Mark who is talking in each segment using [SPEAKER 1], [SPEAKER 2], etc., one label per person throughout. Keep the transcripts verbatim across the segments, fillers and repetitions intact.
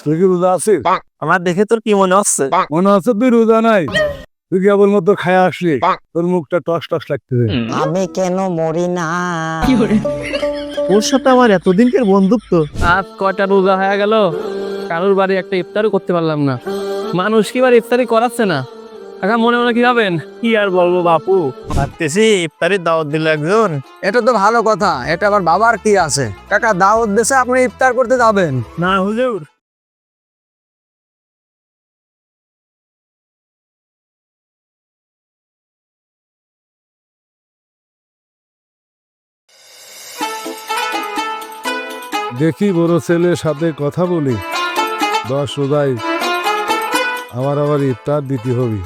[SPEAKER 1] তুই কি রোজা আছিস?
[SPEAKER 2] আমার দেখে তোর কি মনে হচ্ছে?
[SPEAKER 1] মনে হচ্ছে তুই রোজা নাই, তুই কেবল মতো খায়া আসলি, তোর মুখটা টস টস লাগতেছে।
[SPEAKER 3] আমি কেন মরি না?
[SPEAKER 2] ওর সাথে আমার এতদিনকার বন্ধুত্ব আজ কয়টা রোজা হয়ে গেল, কারোর বাড়ি একটা ইফতারও করতে পারলাম না। মানুষ কি বার ইফতারি করাচ্ছে না, কাকা মনে মনে কি ভাবেন? কি আর বলবো বাপু, ভাবতেছি ইফতারির দাওয়াত দিল একজন।
[SPEAKER 3] এটা তো ভালো কথা, এটা আবার বাবার কি আছে? কাকা দাওয়াত দেশে আপনি ইফতার করতে যাবেন?
[SPEAKER 2] না হুজুর,
[SPEAKER 1] দেখি বড় ছেলের সাথে কথা বলি, দশ রোজায় আমার আবার ইফতার দিতে হবে।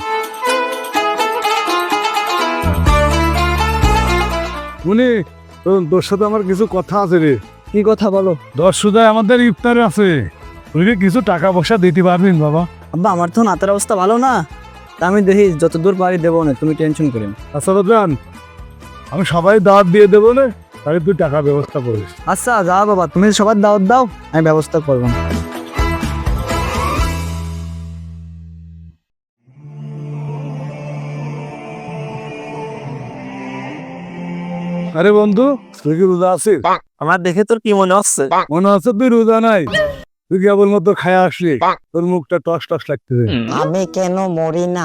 [SPEAKER 1] উনি তোর সাথে আমার কিছু কথা আছে রে।
[SPEAKER 3] কি কথা বলো?
[SPEAKER 1] দশ রোজায় আমাদের ইফতার আছে, তুই কি কিছু টাকা পয়সা দিতে পারবেন বাবা?
[SPEAKER 3] আব্বা আমার তো নাতের অবস্থা ভালো না, তা আমি দেখি যতদূর পারি দেবো না, তুমি টেনশন করেন।
[SPEAKER 1] আচ্ছা বাজান, আমি সবাই দাওয়াত দিয়ে দেবো না, তাহলে তুই টাকা ব্যবস্থা করিস।
[SPEAKER 3] আচ্ছা যা বাবা, তুমি সবার দাওয়াত দাও, আমি ব্যবস্থা করবো।
[SPEAKER 1] আরে বন্ধু, তুই কি রোজা আছিস?
[SPEAKER 2] আমার দেখে তোর কি মনে হচ্ছে?
[SPEAKER 1] মনে হচ্ছে তুই রোজা নাই, তুই কেবল মতো খায়া আসলি, তোর মুখটা টস টস লাগতেছে।
[SPEAKER 3] আমি কেন মরি না?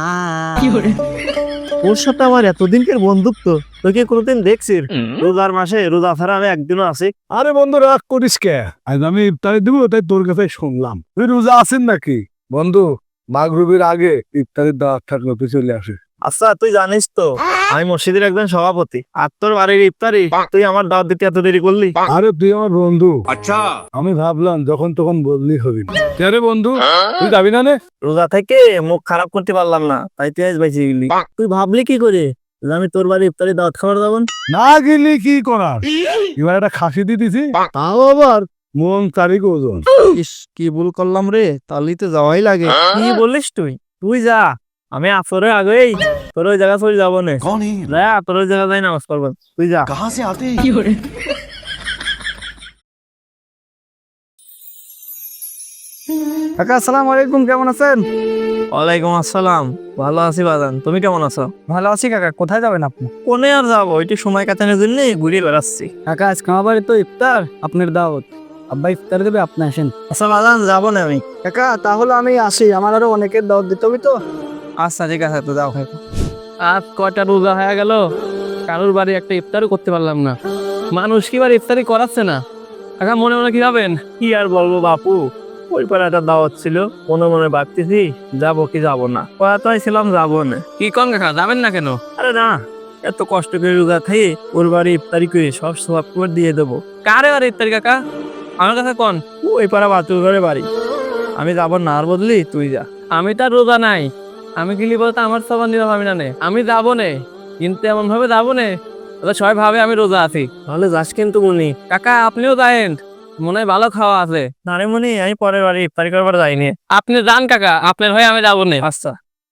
[SPEAKER 2] ওর সাথে আমার এতদিনকার বন্ধুত্ব, তোকে কোনোদিন দেখছিস? রোজার মাসে রোজা ছাড়া আমি একদিনও আছি।
[SPEAKER 1] আরে বন্ধু রাগ করিস কে? আজ আমি ইফতারি দিব, তাই তোর কাছে শুনলাম তুই রোজা আছেন নাকি। বন্ধু, মাগরিবের আগে ইফতারির দাওয়াত থাকলে তুই চলে আসিস।
[SPEAKER 2] আচ্ছা তুই জানিস তো আমি মসজিদের একজন সভাপতি, আর তোর বাড়ির ইফতারি তুই আমার দাওয়াত দিতে এত দেরি করলি?
[SPEAKER 1] আরে তুই আমার বন্ধু, আচ্ছা আমি ভাবলাম যখন তখন বললি হবি না। আরে বন্ধু, তুই যাবি না নে?
[SPEAKER 2] রোজা থেকে মুখ খারাপ করতে পারলাম না, তাই তুই আজ বাইচে গেলি। তুই ভাবলি কি করে যে আমি তোর বাড়ি ইফতারি দাওয়াত খাবার যাবো?
[SPEAKER 1] না গেলি কি করার, এবার একটা খাসি দিয়ে দিছি, তাও আবার মন তারিখ ওজন।
[SPEAKER 2] ইস কি ভুল করলাম রে, তাহলেই তো যাওয়াই লাগে। কি বলিস তুই? তুই যা, আমি আসরের আগেই তোর ওই জায়গা চলে যাবো না। যা, তোর ওই জায়গা যাই নামাজ পড়বো, তুই যা।
[SPEAKER 3] কাকা আসসালামু আলাইকুম, কেমন আছেন?
[SPEAKER 2] ওয়ালাইকুম আসসালাম, ভালো আছি বাজান, তুমি কেমন আছো?
[SPEAKER 3] ভালো আছি কাকা। কোথায় যাবেন আপনি?
[SPEAKER 2] কোনে আর যাবো, একটু সময় কাটানোর জন্য ঘুরে বেড়াচ্ছি।
[SPEAKER 3] কাকা আজকে আমার বাড়ি তো ইফতার, আপনার দাওয়াত, আব্বা ইফতার দেবে, আপনি আসেন।
[SPEAKER 2] আচ্ছা বাজান, যাবো না আমি।
[SPEAKER 3] কাকা তাহলে আমি আসি, আমার আরো অনেকের দাওয়াত দিতে হবে তো।
[SPEAKER 2] আচ্ছা ঠিক আছে, তো যাও। আজ কয়টা রোজা হয়ে গেল, কারোর বাড়ি একটা ইফতারও করতে পারলাম না। মানুষ কি বার ইফতারি করাচ্ছে না, কাকা মনে মনে কি ভাবেন? কি আর বলবো বাপু, ওই পারে একটা দাওয়াত ছিল, মনে মনে ভাবতেছি যাবো কি যাবো না। কয়াতাই ছিলাম যাবো না। কি কন কাকা, যাবেন না কেন? আরে না, এত কষ্ট করে রোজা খাই, ওর বাড়ি ইফতারি করে সব সব করে দিয়ে দেবো। কারে বাড়ি ইফতারি কাকা? আমার কাছে কন, ওই পাড়া বাতুর ঘরে বাড়ি। আমি যাবো না, আর বদলি তুই যা। আমি তার রোজা নাই, আমি গেলি বলতে আমার সবার নিরাম আমি না নে, আমি যাবো নে, কিন্তু এমন ভাবে যাবো নে সবাই ভাবে আমি রোজা আছি। তাহলে যাস কিন্তু মনি। কাকা আপনিও যায়েন, মনে হয় ভালো খাওয়া আছে। নারে মনি, আমি পরের বাড়ি ইফতারি করবার যাইনি। আপনি যান কাকা, আপনার হয়ে আমি যাবো নে। আচ্ছা,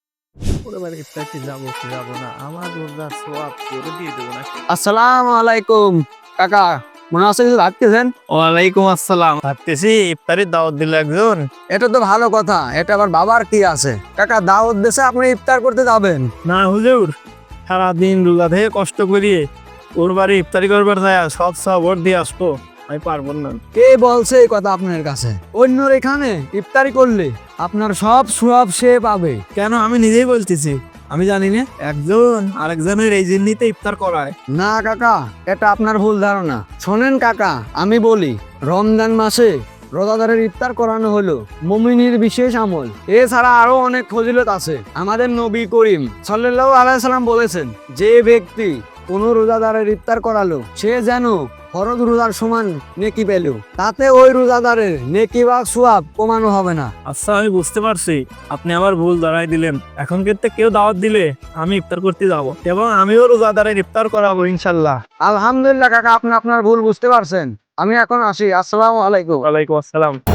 [SPEAKER 2] পরের বাড়ি ইফতারি যাবো কি যাবো না, আমার রোজা সওয়াব করে দিয়ে দেবো না।
[SPEAKER 3] আসসালামু আলাইকুম কাকা, মনে আছে কিছু ভাবতেছেন?
[SPEAKER 2] ওয়ালাইকুম আসসালাম, ভাবতেছি ইফতারির দাওয়াত দিল একজন।
[SPEAKER 3] এটা তো ভালো কথা, এটা আবার বাবার কি আছে? কাকা দাওয়াত দেশে আপনি ইফতার করতে যাবেন?
[SPEAKER 2] না হুজুর, সারাদিন রোজা থেকে কষ্ট করিয়ে ওর বাড়ি ইফতারি করবার যায়, সব সব ওর দিয়ে আসবো, আমি পারবো না।
[SPEAKER 3] কে বলছে এই কথা আপনার কাছে? অন্যর এখানে ইফতারি করলে আপনার সব সওয়াব সে পাবে।
[SPEAKER 2] কেন, আমি নিজেই বলতেছি, আমি জানি না একজন আরেকজনের এই জিনিসতে ইফতার করায়।
[SPEAKER 3] না কাকা, এটা আপনার ভুল ধারণা। শোনেন কাকা, আমি বলি, রমজান মাসে রোজাদারের ইফতার করানো হলো মুমিনের বিশেষ আমল। এছাড়া আরো অনেক ফজিলত আছে। আমাদের নবী করিম সাল্লাল্লাহু আলাইহি সাল্লাম বলেছেন, যে ব্যক্তি কোন রোজাদারের ইফতার করালো সে যেন ফরজ রোজার সমান নেকি পেল, তাতে ওই রোজাদারের নেকি বা সওয়াব কমানো হবে না।
[SPEAKER 2] আচ্ছা আমি বুঝতে পারছি, আপনি আমার ভুল ধরাই দিলেন। এখন কিন্তু কেউ দাওয়াত দিলে আমি ইফতার করতে যাব, এবং আমিও রোজাদারের ইফতার করাবো ইনশাল্লাহ।
[SPEAKER 3] আলহামদুলিল্লাহ কাকা, আপনি আপনার ভুল বুঝতে পারছেন। আমি এখন আসি, আসসালামু আলাইকুম।
[SPEAKER 2] ওয়ালাইকুম আসসালাম।